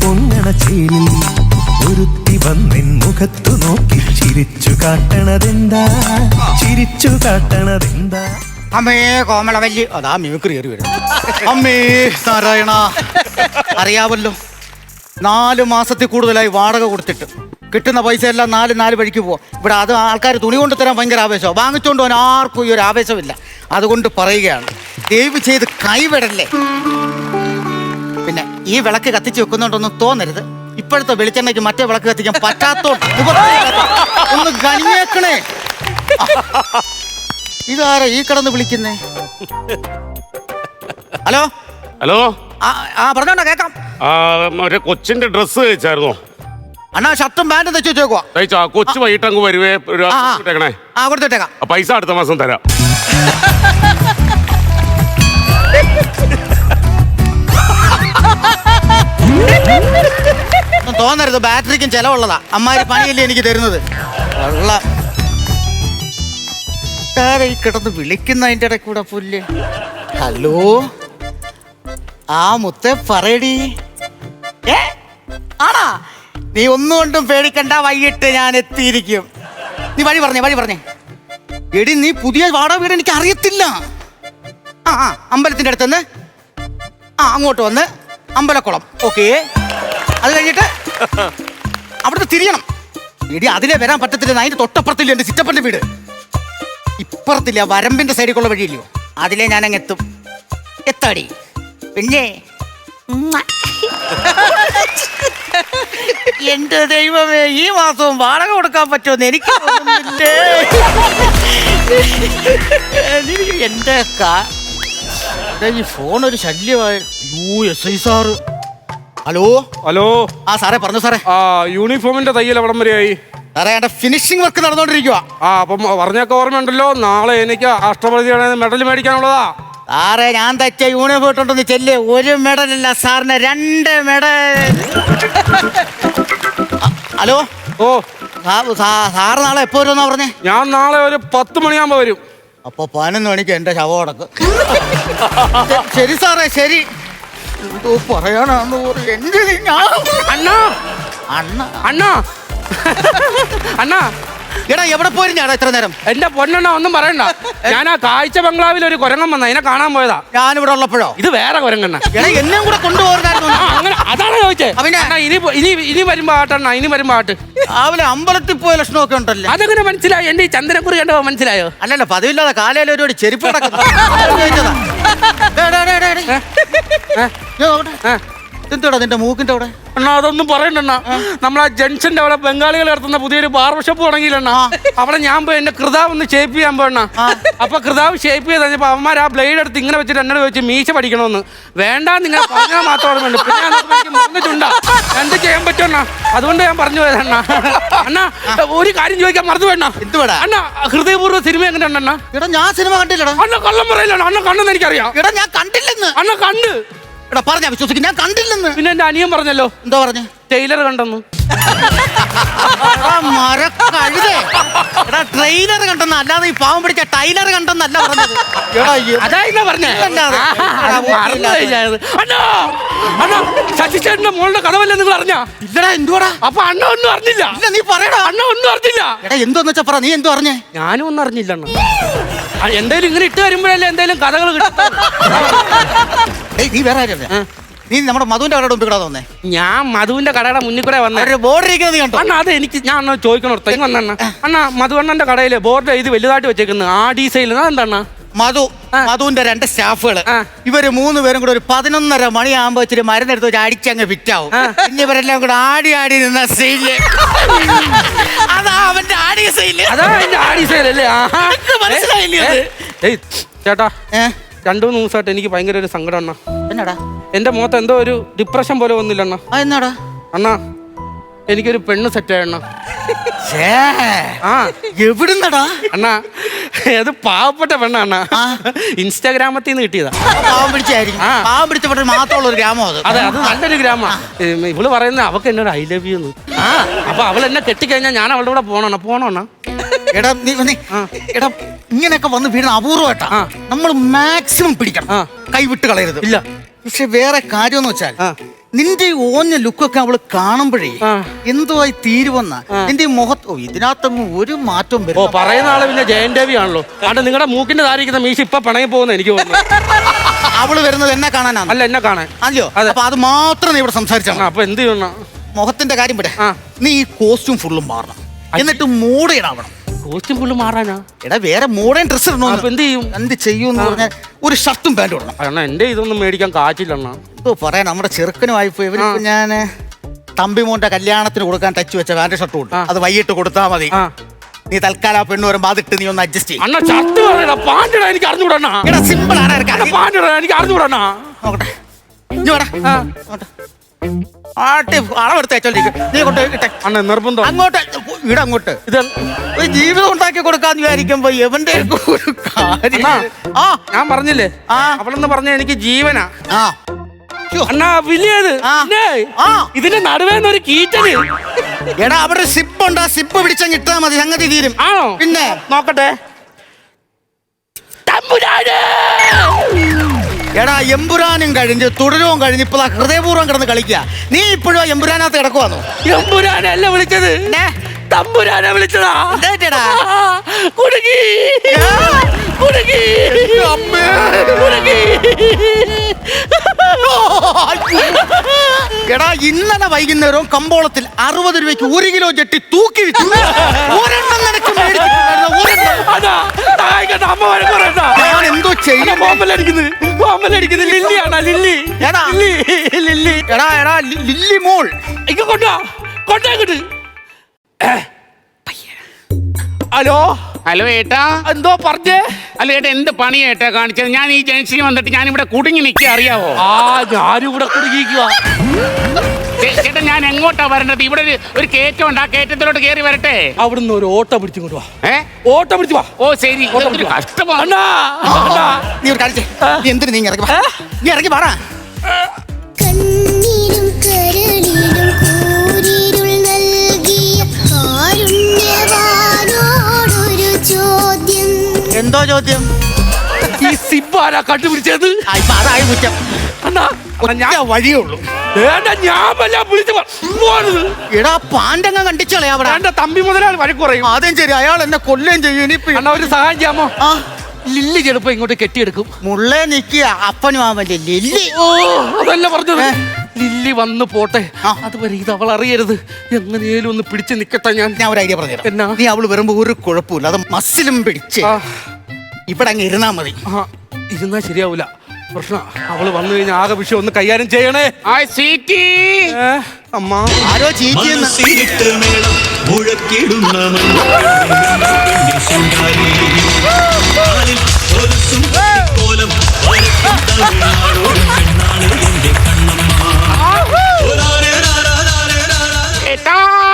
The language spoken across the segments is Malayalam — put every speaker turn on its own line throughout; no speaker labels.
പൊങ്ങണ ചേലിൽ ഒരുത്തി വന്നിൻ മുഖത്തു നോക്കി ചിരിച്ചു കാട്ടണതെന്താ, ചിരിച്ചു കാട്ടണതെന്താ?
അമ്മേ കോമളവല്ലി, അതാ മിമിക്രി കയറി വരും. അമ്മേ നാരായണ, അറിയാവല്ലോ 4 മാസത്തിൽ കൂടുതലായി വാടക കൊടുത്തിട്ട് കിട്ടുന്ന പൈസ എല്ലാം നാല് വഴിക്ക് പോവാം. ഇവിടെ അത് ആൾക്കാർ തുണി കൊണ്ട് തരാൻ ഭയങ്കര ആവേശമാണ്. വാങ്ങിച്ചുകൊണ്ട് പോകാൻ ആർക്കും ഈ ഒരു ആവേശമില്ല. അതുകൊണ്ട് പറയുകയാണ്, ദയവ് ചെയ്ത് കൈവിടല്ലേ. പിന്നെ ഈ വിളക്ക് കത്തിച്ച് വെക്കുന്നുണ്ടൊന്നും തോന്നരുത്. ഇപ്പോഴത്തെ വെളിച്ചെണ്ണയ്ക്ക് മറ്റേ വിളക്ക് കത്തിക്കാൻ പറ്റാത്തോണ്ട് ഒന്ന് കണിയേക്കണേ. ഇതാരാ ഈ കിടന്ന് വിളിക്കുന്നേ? ഹലോ
ഹലോ,
പറഞ്ഞോണ്ടാ കേക്കാം.
ഒരു കൊച്ചിന്റെ ഡ്രസ്സ് തയ്ച്ചായിരുന്നോ?
അണ്ണാ ഷർട്ടും പാന്റും തെച്ചു വെച്ചേക്കുവാ.
തയ്ച്ചാ? കൊച്ചു വൈകിട്ട് അങ്ങ് വരുവേ.
കൊടുത്തേക്കാം.
പൈസ അടുത്ത മാസം തരാം.
തോന്നരുത്, ബാറ്ററിക്കും ചെലവുള്ളതാ. അമ്മാരി പണിയല്ലേ എനിക്ക് തരുന്നത്. ഈ കിടന്ന് വിളിക്കുന്നതിന്റെ ഇടയിൽ കൂടെ പുല്ല്. ഹലോ, മുത്തേ പറയടി. ആണാ? നീ ഒന്നുകൊണ്ടും പേടിക്കണ്ട, വൈകിട്ട് ഞാൻ എത്തിയിരിക്കും. നീ വഴി പറഞ്ഞേ. എടി, നീ പുതിയ വാടക വീട് എനിക്ക് അറിയത്തില്ല. അമ്പലത്തിന്റെ അടുത്തുനിന്ന് അങ്ങോട്ട് വന്ന് അമ്പലക്കുളം. ഓക്കേ, അത് കഴിഞ്ഞിട്ട് അവിടുന്ന് തിരിയണം. എടി, അതിലെ വരാൻ പറ്റത്തില്ല. അതിന്റെ തൊട്ടപ്പുറത്തില്ല എന്റെ ചിറ്റപ്പന്റെ വീട്. ഇപ്പുറത്തില്ല, വരമ്പിന്റെ സൈഡിലുള്ള വഴിയില്ലയോ, അതിലേ ഞാൻ അങ്ങ് എത്തും. എത്താടി പിന്നെ. എന്റെ ദൈവമേ, ഈ മാസവും വാടക കൊടുക്കാൻ പറ്റുമെന്ന് എനിക്ക് തോന്നുന്നില്ലേ. എന്റെ ഈ ഫോൺ ഒരു ശല്യമായി. SI sir. ഹലോ. സാറേ പറഞ്ഞു സാറേ.
യൂണിഫോമിന്റെ തയ്യൽ എവിടം വരെയായി?
സാറേ, എന്റെ ഫിനിഷിംഗ് വർക്ക് നടന്നുകൊണ്ടിരിക്കുക.
അപ്പം പറഞ്ഞൊക്കെ ഓർമ്മയുണ്ടല്ലോ, നാളെ എനിക്ക് അഷ്ടപതിയാണ് മെഡൽ മേടിക്കാനുള്ളതാ.
സാറേ, ഞാൻ തച്ച യൂണിഫോം ഇട്ടുണ്ടെന്ന് ചെല്ല്. 1 മെഡലല്ല സാറിന് 2 മെഡൽ. ഹലോ. സാറ് നാളെ എപ്പോ വരുമെന്നാ പറഞ്ഞേ?
ഞാൻ നാളെ ഒരു 10 മണിയാകുമ്പോ വരും.
അപ്പൊ 11 മണിക്ക് എന്റെ ശവം അടക്ക്. ശരി സാറേ, ശരി. എന്തോ പറയാനാന്ന്
അണ്ണാ.
എടാ, എവിടെ പോയിരുന്നാടാ ഇത്ര നേരം?
എന്റെ പൊന്നെണ്ണ, ഒന്നും പറയണ്ട. ഞാൻ ആ കാഴ്ച ബംഗ്ലാവിൽ ഒരു കുരങ്ങൻ വന്ന, അതിനെ കാണാൻ പോയതാ.
ഞാനിവിടെ ഉള്ളപ്പോഴോ?
ഇത് വേറെ കുരങ്ങണ്ണ.
എടാ, എന്നെയും കൂടെ കൊണ്ടുപോകായിരുന്നു.
അങ്ങനെ അതാണ് ചോദിച്ചേ. ഇനി വരുമ്പോ ആട്ടണ്ണ, ഇനി വരുമ്പോ ആട്ട്.
രാവിലെ അമ്പലത്തിൽ പോയ ലക്ഷണമൊക്കെ ഉണ്ടല്ലോ.
അതെങ്ങനെ മനസ്സിലായി? എന്റെ ഈ ചന്ദ്രക്കുറി കണ്ടോ മനസ്സിലായോ?
അല്ലല്ല, പതിവില്ലാതെ കാലയിൽ ഒരു ചെരുപ്പ് കിടക്കുന്നു. എന്തുടാ നിന്റെ മൂക്കിന്റെ അവിടെ?
അണ്ണാ, അതൊന്നും പറയണ്ടണ്ണ. നമ്മളാ ജംഗ്ഷന്റെ അവിടെ ബംഗാളികൾ നടത്തുന്ന പുതിയൊരു ബാർബർ ഷോപ്പ് തുടങ്ങിയില്ലണ്ണ. അവിടെ ഞാൻ പോയി എന്റെ കൃതാവ് ഒന്ന് ഷേപ്പ് ചെയ്യാൻ പോയണ്ണ. അപ്പൊ കൃതാവ് ഷേപ്പ് ചെയ്ത് കഴിഞ്ഞപ്പോ അവന്മാർ ആ ബ്ലേഡ് എടുത്ത് ഇങ്ങനെ വെച്ചിട്ട് എന്നോട് ചോദിച്ചു മീശ പഠിക്കണമെന്ന്. വേണ്ട, നിങ്ങൾ പറഞ്ഞാൽ മാത്രം ഓർമ്മയുണ്ട്. പിന്നെ എനിക്ക് മറന്നിട്ടുണ്ടാ, എന്ത് ചെയ്യാൻ പറ്റുമണ്ണ? അതുകൊണ്ട് ഞാൻ പറഞ്ഞു പോയതണ്ണ. അണ്ണാ, ഒരു കാര്യം ചോദിക്കാൻ മറന്നു വേണ്ട.
എന്തുവാടാ
അണ്ണാ, ഹൃദയപൂർവ്വ സിനിമ എങ്ങനെ ഉണ്ടെണ്ണ?
എടാ, ഞാൻ സിനിമ കണ്ടില്ലടാ.
അണ്ണ കള്ളം പറയില്ല. അണ്ണ കണ്ടെന്ന് എനിക്കറിയാം.
എടാ, ഞാൻ കണ്ടില്ലെന്ന്.
അണ്ണ കണ്ട്.
എടാ, പറഞ്ഞാ വിശ്വസിക്കും, ഞാൻ കണ്ടില്ലെന്ന്.
പിന്നെ എന്റെ അനിയൻ പറഞ്ഞല്ലോ.
എന്താ പറഞ്ഞു?
ടൈലർ കണ്ടെന്ന്.
എടാ, ട്രെയിലർ കണ്ടെന്ന്, അല്ലാതെ ഈ പാവം പിടിച്ച ടൈലർ കണ്ടെന്നല്ല പറഞ്ഞത്.
അതാ പറഞ്ഞേ. ശശിചേട്ടന്റെ മോളുടെ കഥവല്ലേ നിങ്ങൾ അറിഞ്ഞാ?
ഇല്ലടാ. എന്തുവാടാ?
അപ്പൊ അണ്ണ ഒന്നും അറിഞ്ഞില്ല.
ഇല്ല, നീ പറയടാ.
അണ്ണ ഒന്നും അറിഞ്ഞില്ല.
എടാ, എന്തോന്ന് വെച്ചാ പറ. നീ എന്തോ അറിഞ്ഞേ?
ഞാനും ഒന്നും അറിഞ്ഞില്ല. എന്തായാലും ഇങ്ങനെ ഇട്ട് വരുമ്പോഴല്ലേ എന്തായാലും കഥകൾ കിട്ടും.
നീ വേറെ ആരല്ലേ? നീ നമ്മുടെ മധുവിന്റെ കടയുടെ മുമ്പിൽ കൂടെ വന്നേ?
ഞാൻ മധുവിന്റെ കടയുടെ മുന്നിൽ കൂടെ വന്ന
ബോർഡ് ഇരിക്കുന്നത് കണ്ടോ?
അണ്ണ, അത് എനിക്ക് ഞാൻ ചോദിക്കണം. വന്ന അണ്ണ, മധുവണ്ണന്റെ കടയിലെ ബോർഡ് ഇത് വലുതായിട്ട് വെച്ചേക്കുന്നത് ആ ഡീസൈൽ. അതെന്താണ്?
മധുവിന്റെ 2 സ്റ്റാഫുകള്, ഇവര് 3 പേരും കൂടെ ഒരു 11:30 മണിയാകുമ്പോ ഇച്ചിരി മരുന്നെടുത്ത് വെച്ച് അടിച്ചങ്ങ് ഫിറ്റാവും. പിന്നെ ഇവരെല്ലാം കൂടെ ആടി നിന്ന സൈല്. അതാ അവന്റെ ആടി സൈല്.
അതാ എന്റെ ആടി സൈലല്ലേ?
മനസ്സിലായില്ലേ?
ചേട്ടാ, 2-3 ദിവസമായിട്ട് എനിക്ക് ഭയങ്കര ഒരു സങ്കടം അണ്ണ.
എന്നാടാ?
എന്റെ മുഖത്ത് എന്തോ ഒരു ഡിപ്രഷൻ പോലെ ഒന്നുമില്ല അണ്ണ.
എന്നാടാ?
അണ്ണാ, എനിക്കൊരു പെണ്ണ് സെറ്റായണ്ണ.
എവിടുന്നടാ?
അണ്ണാ, അത് പാവപ്പെട്ട പെണ്ണ. ഇൻസ്റ്റാഗ്രാമത്തിൽ നിന്ന് കിട്ടിയതാ.
പാവം പിടിച്ചപ്പെട്ട മാത്രമുള്ള ഒരു ഗ്രാമം അത്.
അതെ, അത് നല്ലൊരു ഗ്രാമ. ഇവള് പറയുന്നത് അവക്ക് എന്നോട് ഐ ലവ് യു. അപ്പൊ അവൾ എന്നെ കെട്ടിക്കഴിഞ്ഞാൽ ഞാൻ അവളുടെ കൂടെ പോണോണ്ണ.
എടാ, ഇങ്ങനെയൊക്കെ വന്ന് വീഴുന്ന അപൂർവമായിട്ടാ. നമ്മൾ മാക്സിമം പിടിക്കണം, കൈവിട്ട് കളയരുത്.
ഇല്ല.
പക്ഷെ വേറെ കാര്യം എന്ന് വെച്ചാൽ നിന്റെ ഈ ഓഞ്ഞ ലുക്കൊക്കെ അവള് കാണുമ്പോഴേ
ആ.
എന്തുവായി തീരുവന്ന നിന്റെ ഈ മുഖത്ത് ഇതിനകത്തൊന്നും ഒരു മാറ്റവും
ഓ
വരും.
പറയുന്ന ആള് പിന്നെ ജയൻ രവി ആണല്ലോ. അവിടെ നിങ്ങളുടെ മൂക്കിന്റെ താരിക്കുന്ന മീശ ഇപ്പൊ പണങ്ങി പോകുന്ന എനിക്ക് തോന്നുന്നു.
അവള് വരുന്നത് എന്നെ കാണാനാണ്.
അല്ല എന്നെ കാണാൻ.
അല്ലയോ?
അതെ.
അപ്പൊ അത് മാത്രം നീ ഇവിടെ സംസാരിച്ചാണ്.
അപ്പൊ എന്ത് ചെയ്യണം?
മുഖത്തിന്റെ കാര്യം വിട.
ആ.
നീ ഈ കോസ്റ്റ്യൂം ഫുള്ളും മാറണം. എന്നിട്ട് മോഡേണാവണം.
Costume full മാറാനാ?
എടാ വേറെ മോഡേൺ ഡ്രസ് ഇടണോ?
അപ്പൊ എന്ത് ചെയ്യും?
എന്ത് ചെയ്യൂന്ന് പറഞ്ഞാൽ ഒരു ഷർട്ടും പാന്റും ഇടണം.
അണ്ണാ എന്റെ ഇതൊന്നും മേടിക്കാൻ കാച്ചില്ലണ്ണ.
എന്തോ പറയാൻ നമ്മുടെ ചെറുക്കനുമായി പോയി ഇവരിപ്പോ ഞാൻ തമ്പിമോന്റെ കല്യാണത്തിന് കൊടുക്കാൻ ടച്ച് വെച്ച പാന്റ് ഷർട്ടും ഉണ്ട്. അത് വൈകിട്ട് കൊടുത്താൽ മതി.
ആ.
നീ തൽക്കാലം ആ പെണ്ണ് വരുമ്പോ അതിട്ട് നീ ഒന്ന് അഡ്ജസ്റ്റ് ചെയ്യും.
അണ്ണ ഷർട്ട് പറയണ പാൻറ്റിടാ എനിക്ക് അറിഞ്ഞുകൂടണ്ണ.
എടാ സിമ്പിൾ ആണ്.
പാൻറ്റിടാ എനിക്ക് അറിഞ്ഞുകൂടണ്ണ.
നോക്കട്ടെ. ഇഞ്ഞ് വാടാ. അങ്ങോട്ട്. ആട്ടി അളവെടുത്ത് അയച്ചോണ്ടിരിക്കും. നീ കൊണ്ടുപോയിട്ടെ
അണ്ണ നിർബന്ധം.
അങ്ങോട്ട് ഇവിടെ അങ്ങോട്ട്.
ഇത്
ഒരു ജീവിതം ഉണ്ടാക്കി കൊടുക്കാന്ന് വിചാരിക്കുമ്പോ എവന്റെ ഒരു കാര്യം. ആ
ഞാൻ പറഞ്ഞില്ലേ
ആ.
അവളെന്ന് പറഞ്ഞ എനിക്ക് ജീവനാ.
ആ ശ്ശോ.
അണ്ണാ വലിയത്
ആ. ആ.
ഇതിന്റെ നടുവേന്ന് ഒരു കീറ്റല്.
എടാ അവിടെ സിപ്പ് ഉണ്ട്. ആ സിപ്പ് പിടിച്ചങ്ങ് ഇട്ടാ മതി, സംഗതി തീരും.
ആണോ?
പിന്നെ
നോക്കട്ടെ. തമ്പുരാനെ!
എടാ എമ്പുരാനും കഴിഞ്ഞ് തുടരവും കഴിഞ്ഞ് ഇപ്പൊ ഹൃദയപൂർവ്വം കിടന്ന് കളിക്കുക. നീ ഇപ്പോഴും എമ്പുരാനകത്ത് കിടക്കുവാന്നോ?
എമ്പുരാനല്ല വിളിച്ചത്, തമ്പുരാനെ വിളിച്ചതാ.
എന്താ
കുടുങ്ങി കുടുങ്ങി കുടുങ്ങി.
എടാ ഇന്നലെ വൈകുന്നേരവും കമ്പോളത്തിൽ 60 രൂപയ്ക്ക് 1 കിലോ ജെട്ടി തൂക്കി വിറ്റു. ഒരെണ്ണം നിനക്ക് മേടിച്ചിട്ടുണ്ടായിരുന്നോ? ഒരെണ്ണം.
അതാ താഴേക്കട്ട് അമ്മ വഴക്ക് പറയണ്ട.
ഞാൻ എന്തോ ചെയ്യണം?
ബോംബലടിക്കുന്നത് ലില്ലിയാണോ? ലില്ലി
എടാ.
ലില്ലി.
എടാ എടാ ലില്ലി മോൾ
ഇങ്ങ കൊണ്ടേക്കിട്ട്. ഹലോ
ഹലോ ഏട്ടാ.
എന്തോ പറഞ്ഞേ?
അല്ല ഏട്ടാ, എന്ത് പണിയാ ഏട്ടാ കാണിച്ചത്? ഞാൻ ഈ ജംഗ്ഷനിൽ വന്നിട്ട് ഞാൻ ഇവിടെ കുടുങ്ങി നിൽക്കുക, അറിയാവോ?
ആ ഞാനും ഇവിടെ കുടുങ്ങിക്കുക.
ചേട്ടാ ഞാൻ എങ്ങോട്ടാ വരേണ്ടത്? ഇവിടെ ഒരു കയറ്റം ഉണ്ട്, ആ കയറ്റത്തിലോട്ട് കയറി വരട്ടെ?
അവിടുന്ന് ഒരു ഓട്ടോ പിടിച്ചു കൊണ്ടുവാ. ഓട്ടോ പിടിച്ചു വാ.
ഓ ശരി. ഇതൊരു കഷ്ടമാണ്.
അണ്ണാ, അണ്ണാ.
നീ ഒരു കാണിച്ചേ. നീ എന്തിനു നീ ഇറങ്ങി വാ. നീ ഇറങ്ങി പറ.
കണ്ണീരും കരളിലും കൂരിരുൾ നൽകിയ കാരുണ്യവാനോടൊരു ചോദ്യം.
എന്തോ ചോദ്യം?
ഈ സിബാരാ കണ്ടുപിടിച്ചത്?
ആ, ഇപ്പൊ അതായി കുറ്റം.
അണ്ണാ
ഞാൻ വഴിയേ ഉള്ളൂ.
വേണ്ട, ഞാൻ വല്ല വിളിച്ചു പോണത്.
എടാ പാണ്ടങ്ങ കണ്ടിച്ചോളെ അവിടെ.
വേണ്ട, തമ്പി മുതലാളി വഴക്ക് പറയും.
ആദ്യം ശരി, അയാൾ എന്നെ കൊല്ലുകയും ചെയ്യും. ഇനിയിപ്പോ
അണ്ണാ ഒരു സഹായം ചെയ്യാമോ?
ആ
ലില്ലി ചെലപ്പോ ഇങ്ങോട്ട് കെട്ടിയെടുക്കും.
മുള്ളേ നിക്കുക അപ്പനും ആവല്ലേ ലില്ലി.
ഓ അതല്ല പറഞ്ഞത്. ലില്ലി വന്ന് പോട്ടെ, അതുവരെ ഇത് അവൾ അറിയരുത്. എങ്ങനെയും ഒന്ന് പിടിച്ച് നിക്കട്ടെ.
ഞാൻ ഒരു ഐഡിയ പറഞ്ഞു
എന്നാ?
നീ അവള് വരുമ്പോ ഒരു കുഴപ്പമില്ല. അത് മസിലും പിടിച്ച്
ആ,
ഇവിടെ അങ്ങ് ഇരുന്നാ മതി.
ആ, ഇരുന്നാ ശരിയാവൂല. പ്രശ്ന അവള് വന്നു കഴിഞ്ഞാൽ ആകെ വിഷയം ഒന്ന് കൈകാര്യം ചെയ്യണേ.
സ്വീറ്റി.
അമ്മ
ആരോ ചീറ്റിയെന്ന്.
മനസ്സിലിട്ട് മേളം മുഴക്കിടുന്ന മഞ്ഞപ്പെണ്ണിൻ ശൃംഗാരി. കാലിൽ കൊലുസും കോലം വരയ്ക്കും തമിഴ്നാടോടും പെണ്ണാണ് എന്റെ കണ്ണമ്മ. ഒരാരെ രാരാരാരെ രാരാ.
ഏട്ടാ.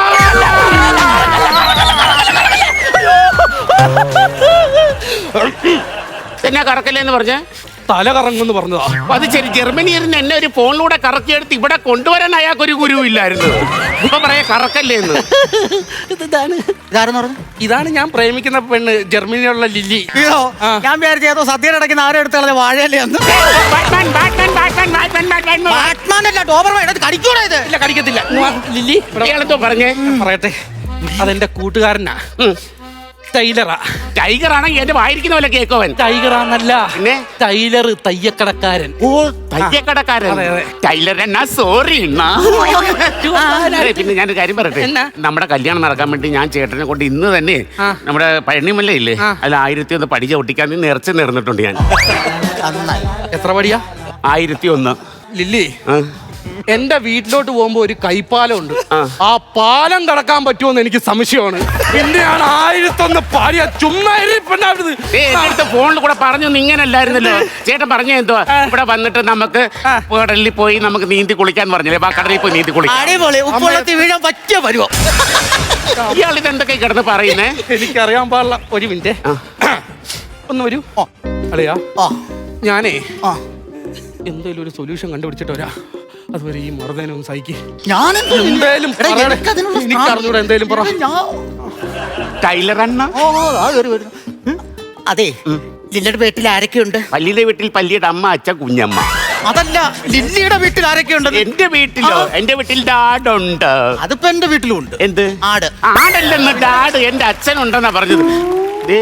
എന്നാ കറക്കല്ലേന്ന് പറഞ്ഞേ?
തല കറങ്ങുമെന്ന് പറഞ്ഞതാ.
അപ്പൊ അത് ശരി. ജർമ്മനിയിൽ നിന്ന് എന്നെ ഒരു ഫോണിലൂടെ കറക്കിയെടുത്ത് ഇവിടെ കൊണ്ടുവരാൻ അയാൾക്കൊരു ഗുരു ഇല്ലായിരുന്നു. ഇപ്പൊ പറയാ കറക്കല്ലേന്ന്.
ഇതാണ്
ഇതാരെന്ന് പറഞ്ഞു?
ഇതാണ് ഞാൻ പ്രേമിക്കുന്ന പെണ്ണ്, ജർമ്മനിയിലുള്ള ലില്ലി.
അയ്യോ ഞാൻ വിചാരിച്ചു ഏതോ സദ്യയുടെ ഇടയ്ക്ക് ആരും എടുത്ത് കളഞ്ഞ വാഴയല്ലേ എന്ന്.
Batman, Batman, Batman, Batman, Batman.
Batman അല്ല, ഡോബർമാൻ. ഇത് കടിക്കൂടാ ഇത്.
ഇല്ല, കടിക്കത്തില്ല. ലില്ലി
ഇയാളെന്തോ പറഞ്ഞേ?
പറയട്ടെ. അതെന്റെ കൂട്ടുകാരനാ, ടൈലറാ.
ടൈഗർ ആണെങ്കിൽ എന്റെ വായിരിക്കുന്ന പോലെ കേക്കോവൻ.
ടൈഗറാന്നല്ല,
പിന്നെ
ടൈലർ, തയ്യക്കടക്കാരൻ.
ഓ തയ്യക്കടക്കാരൻ.
അതെ, അതെ.
ടൈലർ എന്നാ സോറി എന്നാ. പിന്നെ ഞാനൊരു കാര്യം പറയട്ടെ.
എന്നാ?
നമ്മുടെ കല്യാണം നടക്കാൻ വേണ്ടി ഞാൻ ചേട്ടനെ കൊണ്ട് ഇന്ന് തന്നെ നമ്മുടെ പഴനിമല്ല ഇല്ലേ, അതിൽ 1001 പടി ചവിട്ടിക്കാൻ നേർച്ച നേർന്നിട്ടുണ്ട് ഞാൻ.
നന്നായി.
എത്ര പടിയാ?
1001.
ലില്ലി,
ആ.
എന്റെ വീട്ടിലോട്ട് പോകുമ്പോ ഒരു കൈപ്പാലം ഉണ്ട്. ആ പാലം കടക്കാൻ പറ്റുമോന്ന് എനിക്ക് സംശയമാണ്. പിന്നെയാണ് 1001 പാടിയ ചുമ്മാ പെണ്ണാവരുത്.
അടുത്ത ഫോണിൽ കൂടെ പറഞ്ഞു ഇങ്ങനല്ലായിരുന്നല്ലോ. ചേട്ടൻ പറഞ്ഞു എന്തുവാ, ഇവിടെ വന്നിട്ട് നമുക്ക് കടലിൽ പോയി നമുക്ക് നീന്തി കുളിക്കാൻ പറഞ്ഞില്ലേ? ആ കടലിൽ പോയി നീന്തി കുളിക്കാം.
അടിപൊളി. ഉപ്പുവെള്ളത്തിൽ വീഴാൻ പറ്റിയ വരുവോ?
ഇയാൾ ഇതെന്തൊക്കെ കിടന്ന് പറയുന്നേ?
എനിക്കറിയാൻ പാടില്ല. ഒരു മിനിറ്റ് ഒന്ന് വരൂ. അളിയാ,
ആ
ഞാനേ
ആ
എന്തേലും ഒരു സൊല്യൂഷൻ കണ്ടുപിടിച്ചിട്ട് വരാ. അതുവരെ ഈ മറുതേനൊന്ന് സഹിക്ക്.
ഞാനെന്തോ
എന്തേലും
എടാ,
പറയണേ.
എനിക്കതിനുള്ള
എനിക്കറിഞ്ഞൂടാ, എന്തേലും പറ.
ടൈലർ അണ്ണ.
ഓ ആ വരുന്നു. അതെ ലില്ലയുടെ വീട്ടിൽ ആരൊക്കെയുണ്ട്?
പല്ലിയുടെ വീട്ടിൽ പല്ലിയുടെ അമ്മ, അച്ഛൻ, കുഞ്ഞമ്മ.
അതല്ല, ലില്ലിയുടെ വീട്ടിൽ ആരൊക്കെ ഉണ്ട്?
എന്റെ വീട്ടിലോ? എന്റെ വീട്ടിൽ ഡാഡുണ്ട്.
അതിപ്പോ എന്റെ വീട്ടിലും ഉണ്ട്.
എന്ത്
ആട്?
ആടല്ലെന്ന് ഡാഡ് എന്റെ അച്ഛനുണ്ടെന്നാ പറഞ്ഞത്. ദേ,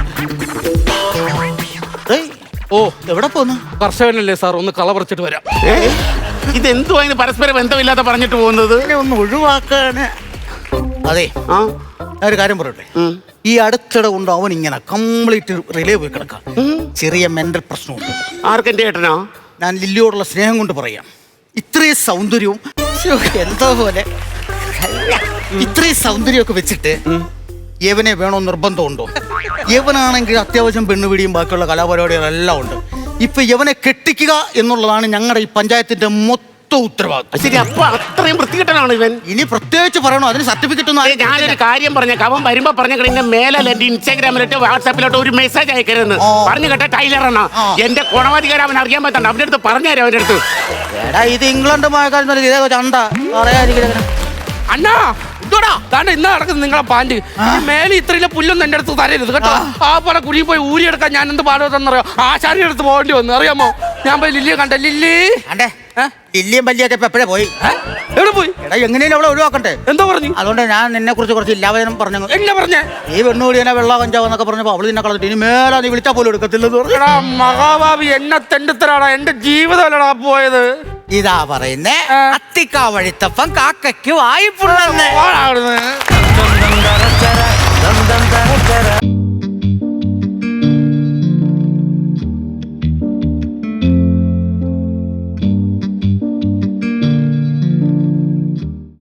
ഏയ്, ഓ എവിടെ പോന്നു?
കർഷകനല്ലേ സാർ, ഒന്ന് കള പറിച്ചിട്ട് വരാം.
ഇതെന്തുവാ ഇത് പരസ്പര ബന്ധമില്ലാതെ പറഞ്ഞിട്ട് പോകുന്നത്?
ഒന്ന് ഒഴിവാക്കാണ്. അതെ,
ആ
ഞാൻ ഒരു കാര്യം പറയട്ടെ. ഈ അടുത്തിടെ കൊണ്ട് അവൻ ഇങ്ങനെ കംപ്ലീറ്റ് റിലേ പോയി കിടക്കാം. ചെറിയ മെന്റൽ പ്രശ്നമുണ്ട്.
ആർക്കെന്റെ ഏട്ടനോ?
ഞാൻ ലില്ലിയോടുള്ള സ്നേഹം കൊണ്ട് പറയാം. ഇത്രയും സൗന്ദര്യവും ശ്ശോ, എന്തോ പോലെ ഇത്രയും സൗന്ദര്യമൊക്കെ വെച്ചിട്ട് യവനെ വേണോ നിർബന്ധമുണ്ടോ? യവനാണെങ്കിൽ അത്യാവശ്യം പെണ്ണുപിടിയും ബാക്കിയുള്ള കലാപരിപാടികളെല്ലാം ഉണ്ട്. ഇപ്പൊ യവനെ കെട്ടിക്കുക എന്നുള്ളതാണ് ഞങ്ങളുടെ ഈ പഞ്ചായത്തിന്റെ മൊത്തം ഉത്തരവാദിത്വം.
ശരി, അപ്പൊ അത്രയും വൃത്തികെട്ടനാണ് ഇവൻ.
ഇനി പ്രത്യേകിച്ച് പറയണോ? അതിന് സർട്ടിഫിക്കറ്റ് ഒന്നും
ഞാനൊരു കാര്യം പറഞ്ഞേക്കാം. അവൻ വരുമ്പോ പറഞ്ഞ കഴിഞ്ഞ മേലെ എന്റെ ഇൻസ്റ്റാഗ്രാമിലോട്ട് വാട്സാപ്പിലോട്ട് ഒരു മെസ്സേജ് അയക്കരുതെന്ന് പറഞ്ഞു കേട്ട ടൈലറാണ്. എന്റെ ഗുണവാധികാരം അവൻ അറിയാൻ പറ്റണ്ട. അവന്റെ അടുത്ത് പറഞ്ഞുതരാം. അവന്റെ അടുത്ത്
എടാ, ഇത് ഇംഗ്ലണ്ട് മഴക്കാലം ഇതേ ചണ്ട പറയാതിരിക്കുന്നത്.
അണ്ണാ താണ്ട് ഇന്ന് നടക്കുന്നത് നിങ്ങളെ പാൻറ്. മേലെ ഇത്രയിലെ പുല്ലൊന്നും എന്റെ അടുത്ത് തരരുത് കേട്ടോ. ആ പോലെ കുഴി പോയി ഊരിയെടുക്കാൻ ഞാൻ എന്ത് പാടുവെന്നറിയോ? ആശാരിയുടെ അടുത്ത് പോകേണ്ടി വന്നു, അറിയാമോ? ഞാൻ പോയി ലില്ലിയെ കണ്ട. ലില്ലി
അണ്ടേ, ലില്ലിയും പല്ലിയൊക്കെ ഇപ്പൊ എപ്പോഴേ പോയി.
എവിടെ പോയി?
എടാ, എങ്ങനെയും അവളെ ഒഴിവാക്കണ്ടേ?
എന്താ പറഞ്ഞു?
അതുകൊണ്ട് ഞാൻ നിന്നെ കുറിച്ച് കുറച്ച് ഇല്ലാവചനം പറഞ്ഞു.
എന്നെ പറഞ്ഞേ?
ഈ പെണ്ണുകൂടിയനെ വെള്ള കഞ്ചാവെന്നൊക്കെ പറഞ്ഞപ്പോ അവള് നിന്നെ കളഞ്ഞിട്ട് ഇനി മേലെ നീ വിളിച്ചാൽ പോലും എടുക്കത്തില്ലെന്ന് പറഞ്ഞു.
എടാ മഹാഭാവി, എന്നെ തെണ്ടിത്തരാടാ. എന്റെ ജീവിതമല്ലടാ പോയത്.
ഇതാ പറയുന്നേ, അത്തിക്കാ വഴിത്തപ്പം കാക്കയ്ക്ക് വായ്പുള്ളന്ന്.
ഓടാ അവിടുന്ന്.